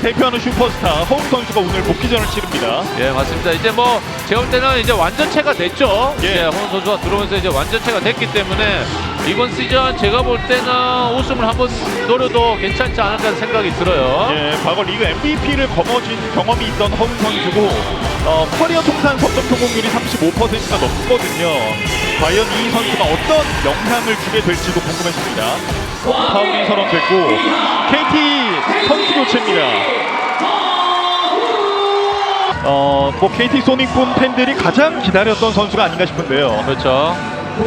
대표하는 슈퍼스타 허웅 선수가 오늘 복귀전을 치릅니다. 예, 맞습니다. 이제 뭐 제가 볼 때는 이제 완전체가 됐죠. 예. 이제 허웅 선수가 들어오면서 이제 완전체가 됐기 때문에 이번 시즌 제가 볼 때는 우승을 한번 노려도 괜찮지 않을까 생각이 들어요. 예, 과거 리그 MVP를 거머쥔 경험이 있던 허웅 선수고 커리어 통산 석점 성공률이 35%가 넘거든요. 과연 이 선수가 어떤 영향을 주게 될지도 궁금해집니다. 파울이 선언됐고 KT 선수 교체입니다. 뭐 KT 소닉붐 팬들이 가장 기다렸던 선수가 아닌가 싶은데요. 그렇죠.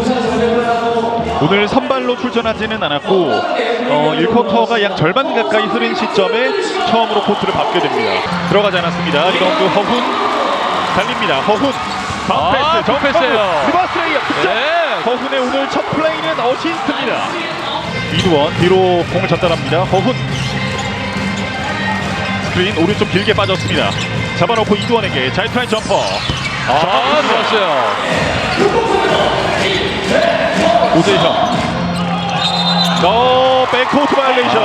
오늘 선발로 출전하지는 않았고 1쿼터가 약 절반 가까이 흐른 시점에 처음으로 코트를 밟게 됩니다. 들어가지 않았습니다. 리바운드 허훈 달립니다. 허훈 바운드 패스, 패스예요. 리버스 레이업 득점. 네. 허훈의 오늘 첫 플레이는 어시스트입니다. 이두원 뒤로 공을 전달합니다. 허훈 스크린 오른쪽 길게 빠졌습니다. 잡아놓고 이두원에게 자이트라인 점퍼. 좋았어요. 오재형 백코트 바이올레이션.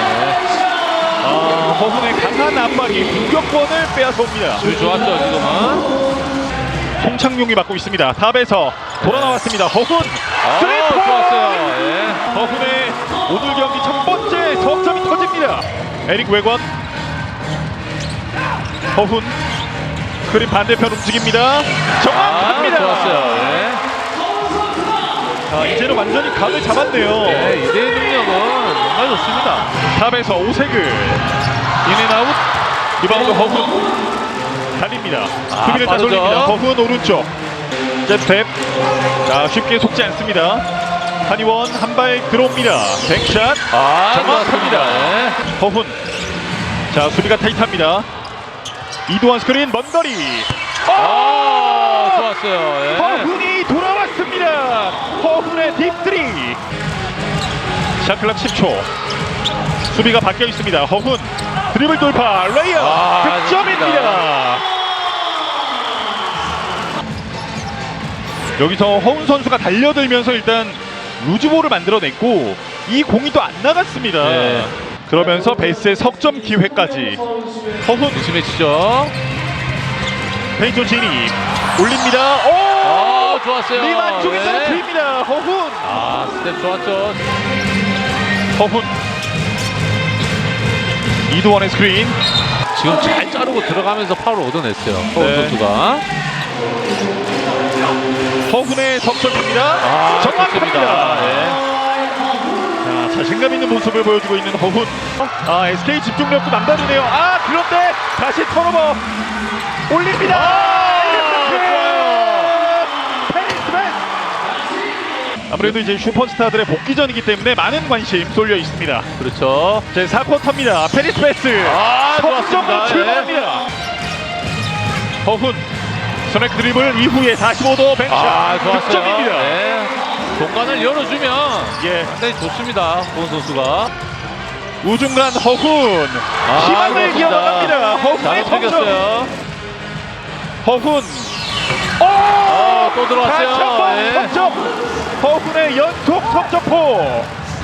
허훈의 강한 압박이 공격권을 빼앗아옵니다. 줄 좋았죠 지금은. 송창용이 맡고 있습니다. 탑에서 돌아 나왔습니다. 허훈 스리퍼 좋았어요. 예. 허훈의 오늘 경기 첫 번째 석점이 터집니다. 에릭 외권 허훈 스크린 반대편 움직입니다. 정확합니다. 좋았어요. 예. 이제는 완전히 감을 잡았네요. 네, 이대의 능력은 정말 좋습니다. 탑에서 오세글 인앤아웃 리바운드 허훈 달립니다. 수비를 다 빠르죠. 돌립니다. 허훈 오른쪽 잽스텝 쉽게 속지 않습니다. 한이원 한 발 들어옵니다. 뱅샷 정확합니다. 네. 허훈 수비가 타이트합니다. 이두원 스크린 먼 거리 좋았어요. 예. 허훈이 돌아왔습니다. 허훈의 딥3 샷클락 10초 수비가 바뀌어 있습니다. 허훈 드리블 돌파 레이업 득점입니다. 여기서 허훈 선수가 달려들면서 일단 루즈볼을 만들어냈고 이 공이 또 안 나갔습니다. 네. 그러면서 베이스의 석점 기회까지 허훈 조심해 치죠. 페인트 진입 올립니다. 좋았어요. 리만 쪽에 네. 떨어뜨립니다. 허훈 스텝 좋았죠. 허훈 이두원의 스크린 지금 잘 자르고 들어가면서 파울을 얻어냈어요. 허훈 네. 선수가. 허훈의 석점입니다. 정확합니다. 네. 자신감 있는 모습을 보여주고 있는 허훈. SK 집중력도 남다르네요. 그런데 다시 턴오버 올립니다. 아무래도 이제 슈퍼스타들의 복귀전이기 때문에 많은 관심 쏠려 있습니다. 그렇죠. 제 4쿼터입니다. 페리스 패스. 석점으로 좋았습니다. 출발합니다. 허훈 스맥 드리블 이후에 45도 뱅샷 득점입니다. 네. 공간을 열어주면 상당히 좋습니다. 허훈 선수가. 우중간 허훈 희망을 그렇습니다. 이어나갑니다. 허훈의 잘 움직였어요. 허훈 또 들어왔어요. 다시 한번 예. 석점. 허훈의 연속 석점포.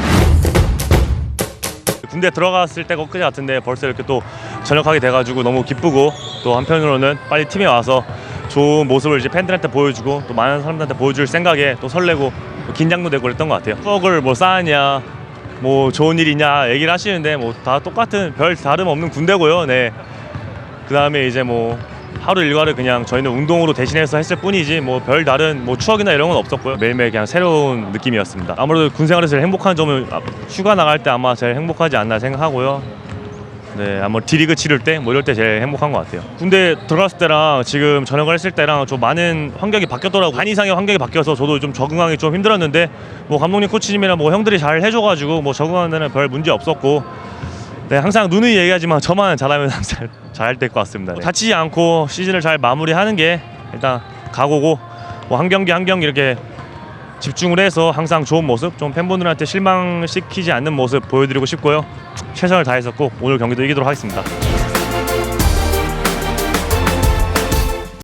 군대 들어갔을 때가 엊그제 같은데 벌써 이렇게 또 전역하게 돼가지고 너무 기쁘고 또 한편으로는 빨리 팀에 와서 좋은 모습을 이제 팬들한테 보여주고 또 많은 사람들한테 보여줄 생각에 또 설레고 또 긴장도 되고 그랬던 것 같아요. 추억을 뭐 쌓았냐 뭐 좋은 일이냐 얘기를 하시는데 뭐 다 똑같은 별 다름없는 군대고요. 네. 그 다음에 이제 뭐 하루 일과를 그냥 저희는 운동으로 대신해서 했을 뿐이지 뭐 별 다른 뭐 추억이나 이런 건 없었고요. 매일매일 그냥 새로운 느낌이었습니다. 아무래도 군 생활에서 제일 행복한 점은 휴가 나갈 때 아마 제일 행복하지 않나 생각하고요. 네, 아마 D리그 치를 때 뭐 이럴 때 제일 행복한 것 같아요. 군대 들어갔을 때랑 지금 전역을 했을 때랑 좀 많은 환경이 바뀌었더라고요. 반 이상의 환경이 바뀌어서 저도 좀 적응하기 좀 힘들었는데 뭐 감독님 코치님이랑 뭐 형들이 잘 해줘가지고 뭐 적응하는 데는 별 문제 없었고 네, 항상 누누이 얘기하지만 저만 잘하면 항상 잘 될 것 같습니다. 네. 다치지 않고 시즌을 잘 마무리하는 게 일단 각오고 뭐 한 경기 한 경기 이렇게 집중을 해서 항상 좋은 모습, 좀 팬분들한테 실망시키지 않는 모습 보여드리고 싶고요. 최선을 다해서 꼭 오늘 경기도 이기도록 하겠습니다.